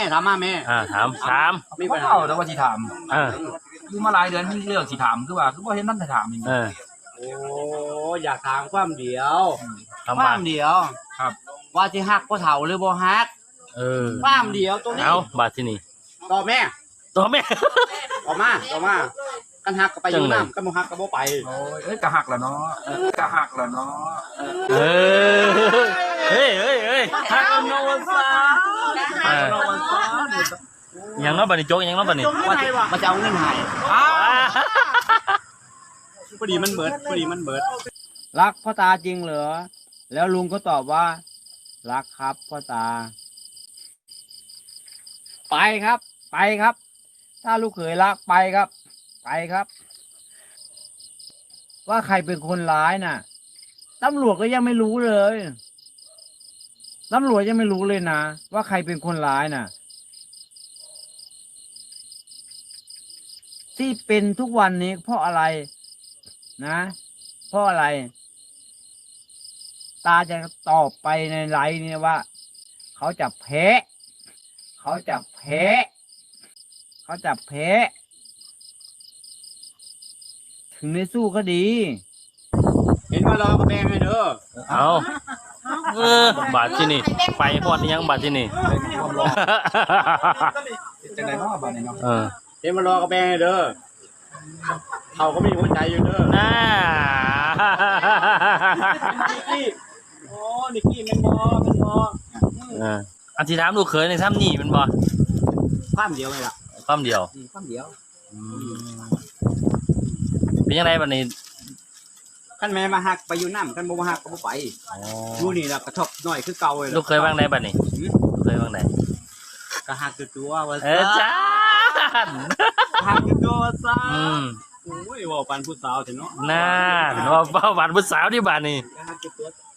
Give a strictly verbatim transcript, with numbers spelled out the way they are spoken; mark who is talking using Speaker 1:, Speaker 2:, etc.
Speaker 1: ถามมาแม่
Speaker 2: อ่าถามถาม
Speaker 3: มีปัญหาแต่ว่าสิถาม
Speaker 2: เออ
Speaker 3: อยู่มาหลายเดือนมีเรื่องสิถามคือว่าคือบ่เห็นนั่นจะถามอีก
Speaker 2: เออ
Speaker 1: โอ้อยากถามความเดียวค
Speaker 2: ค
Speaker 1: า
Speaker 2: วาม
Speaker 1: มเดียว
Speaker 3: ครับ
Speaker 1: ว่าสิฮักบ่เฒ่าหรือบ่ฮัก
Speaker 2: เออ
Speaker 1: ความเดียวตัวนี้
Speaker 2: เอาบาดที่นี่
Speaker 1: ต่อแม่
Speaker 2: ตัวแม่
Speaker 1: ต่อมาต่อมากันฮักก็ไปอยู่น้ำกันบ่ฮักก็บ่ไป
Speaker 3: โอ้ยเอ้ยกะหักแล้วเนาะกะหักแล้วเนาะ
Speaker 2: เออเฮ้ยเฮ้ยเฮ้ยฮักเอาโนวาซาเออยังน้อยบัดนี้โจ๊กยังน้อยบัดนี้
Speaker 1: ว่าว่าจะเอาเงินให้พอดีมันเบิดพอดีมันเบิดรักพ่อตาจริงเหรอแล้วลุงก็ตอบว่ารักครับพ่อตาไปครับไปครับถ้าลูกเขยรักไปครับไปครับว่าใครเป็นคนร้ายน่ะตำรวจก็ยังไม่รู้เลยตำรวจยังไม่รู้เลยนะว่าใครเป็นคนร้ายน่ะที่เป็นทุกวันนี้เพราะอะไรนะเพราะอะไรตาจะตอบไปในไลน์นี่ว่าเขาจะแพ้เขาจะแพ้เขาจะแพ้ถึงได้สู้ก็ดีเห็นว่ารอกระแบงไงเด้อ
Speaker 2: เอาเออบาดที่นี่ไปพอดยังบาดที่นี่
Speaker 3: จังได๋เนาะบาดนี้เนาะ
Speaker 2: เออ
Speaker 1: เห็นว่ารอกระแบงไงเด้อเขาก็มีหัวใจอยู่เด้อ
Speaker 2: น่า
Speaker 1: นิกกี้โอ้นิกกี้มันบอมันบอ
Speaker 2: เอออันที่ถามลูกเขยในซ้ำนี่มันบ่
Speaker 1: ความเดียวไงล่ะ
Speaker 2: ความเดียว
Speaker 1: ความเดียว
Speaker 2: เป็นยังไงบัดนี้
Speaker 1: ขั้นแม่มาหักไปอยู่น้ำขั้นบ่มาหักก็บ่ไปอยู่นี่ล่ะกระทบหน่อยคือเก่าเลย
Speaker 2: ลูกเคยบ้างไหนบัดนี้เคยบ้างไหน
Speaker 1: ก็หักตัวว่า
Speaker 2: เออจ้า
Speaker 1: หักตัวซ่าโอ้ยว่าปันผู้สาวเถอะเนาะ
Speaker 2: น่าว่าว่าปันผู้สาวที่บ้านนี่
Speaker 1: หักตัว